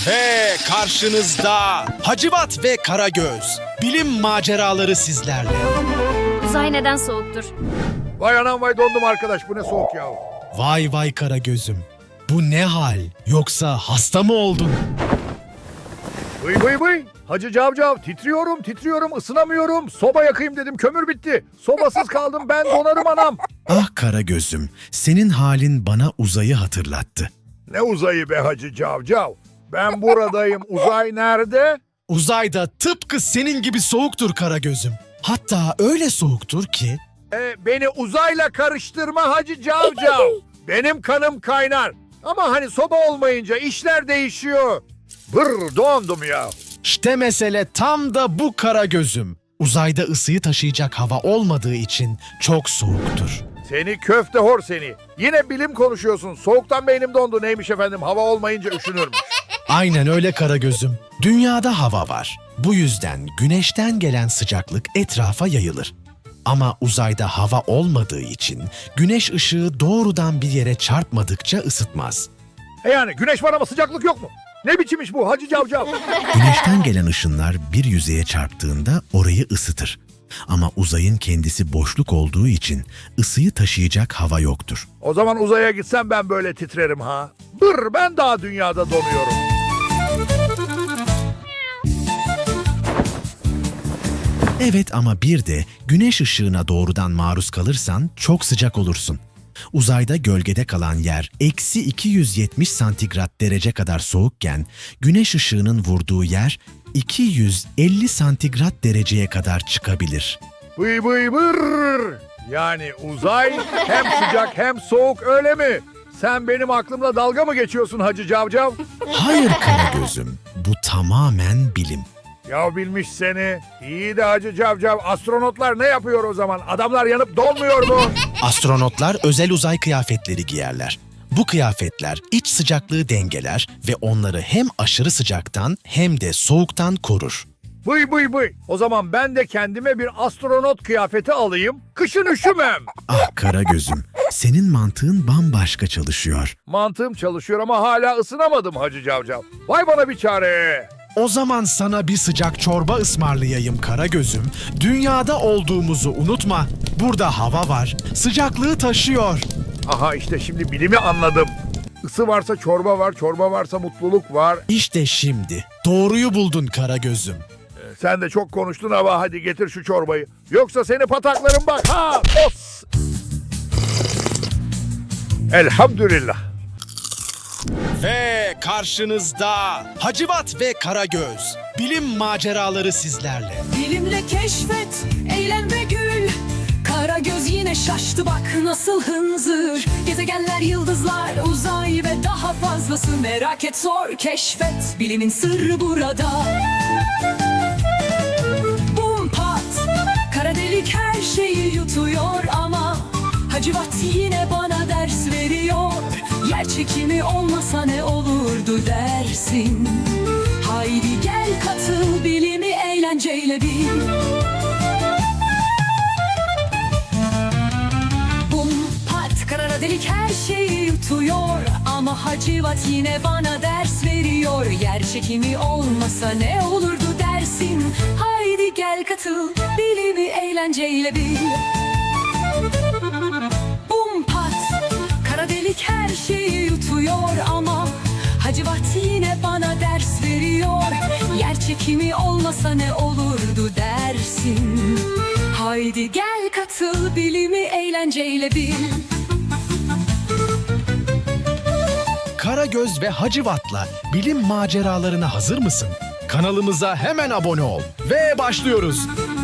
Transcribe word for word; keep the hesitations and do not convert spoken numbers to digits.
Ve karşınızda Hacivat ve Karagöz. Bilim maceraları sizlerle. Uzay neden soğuktur? Vay anam vay dondum arkadaş, bu ne soğuk ya. Vay vay Karagöz'üm. Bu ne hal? Yoksa hasta mı oldun? Vıy vıy vıy. Hacı Cavcav, titriyorum titriyorum, ısınamıyorum. Soba yakayım dedim, kömür bitti. Sobasız kaldım, ben donarım anam. Ah Karagöz'üm, senin halin bana uzayı hatırlattı. Ne uzayı be Hacı Cavcav. Ben buradayım, uzay nerede? Uzayda tıpkı senin gibi soğuktur Karagöz'üm. Hatta öyle soğuktur ki... E, beni uzayla karıştırma Hacı Cavcav. Benim kanım kaynar. Ama hani soba olmayınca işler değişiyor. Bır dondum ya. İşte mesele tam da bu Karagöz'üm. Uzayda ısıyı taşıyacak hava olmadığı için çok soğuktur. Seni köfte hor seni. Yine bilim konuşuyorsun. Soğuktan beynim dondu. Neymiş efendim, hava olmayınca üşünürmüş. Aynen öyle Karagöz'üm. Dünyada hava var. Bu yüzden güneşten gelen sıcaklık etrafa yayılır. Ama uzayda hava olmadığı için güneş ışığı doğrudan bir yere çarpmadıkça ısıtmaz. E yani güneş var ama sıcaklık yok mu? Ne biçim iş bu Hacı Cavcav? Güneşten gelen ışınlar bir yüzeye çarptığında orayı ısıtır. Ama uzayın kendisi boşluk olduğu için ısıyı taşıyacak hava yoktur. O zaman uzaya gitsem ben böyle titrerim ha. Bır, ben daha dünyada donuyorum. Evet ama bir de güneş ışığına doğrudan maruz kalırsan çok sıcak olursun. Uzayda gölgede kalan yer eksi iki yüz yetmiş santigrat derece kadar soğukken güneş ışığının vurduğu yer iki yüz elli santigrat dereceye kadar çıkabilir. Bıy bıy bır. Yani uzay hem sıcak hem soğuk, öyle mi? Sen benim aklımla dalga mı geçiyorsun Hacı Cavcav? Hayır Karagöz'üm, bu tamamen bilim. Ya bilmiş seni. İyi de Hacı Cavcav, astronotlar ne yapıyor o zaman? Adamlar yanıp donmuyor mu? Astronotlar özel uzay kıyafetleri giyerler. Bu kıyafetler iç sıcaklığı dengeler ve onları hem aşırı sıcaktan hem de soğuktan korur. Bıy bıy bıy. O zaman ben de kendime bir astronot kıyafeti alayım. Kışın üşümem. Ah Karagöz'üm, senin mantığın bambaşka çalışıyor. Mantığım çalışıyor ama hala ısınamadım Hacı Cavcav. Vay bana bir çare. O zaman sana bir sıcak çorba ısmarlayayım Karagöz'üm. Dünyada olduğumuzu unutma. Burada hava var, sıcaklığı taşıyor. Aha işte şimdi bilimi anladım. Isı varsa çorba var, çorba varsa mutluluk var. İşte şimdi doğruyu buldun Karagöz'üm. Sen de çok konuştun ama hadi getir şu çorbayı. Yoksa seni pataklarım bak. Ha! Os! Elhamdülillah. Ve karşınızda Hacivat ve Karagöz. Bilim maceraları sizlerle. Bilimle keşfet, eğlen ve gül. Karagöz yine şaştı, bak nasıl hınzır. Gezegenler, yıldızlar, uzay ve daha fazlası. Merak et, sor, keşfet. Bilimin sırrı burada. Bum pat, kara delik her şeyi yutuyor ama Hacivat yine bana ders veriyor. Yer çekimi olmasa ne olurdu dersin? Haydi gel katıl, bilimi eğlenceyle bil. Bum pat, kara delik her şeyi yutuyor ama Hacivat yine bana ders veriyor. Yer çekimi olmasa ne olurdu dersin? Haydi gel katıl, bilimi eğlenceyle bil. Bum pat, kara delik her şeyi yutuyor ama Hacivat yine bana ders veriyor. Yer çekimi olmasa ne olurdu dersin? Haydi gel katıl, bilimi eğlenceyle bil. Karagöz ve Hacivat'la bilim maceralarına hazır mısın? Kanalımıza hemen abone ol ve başlıyoruz.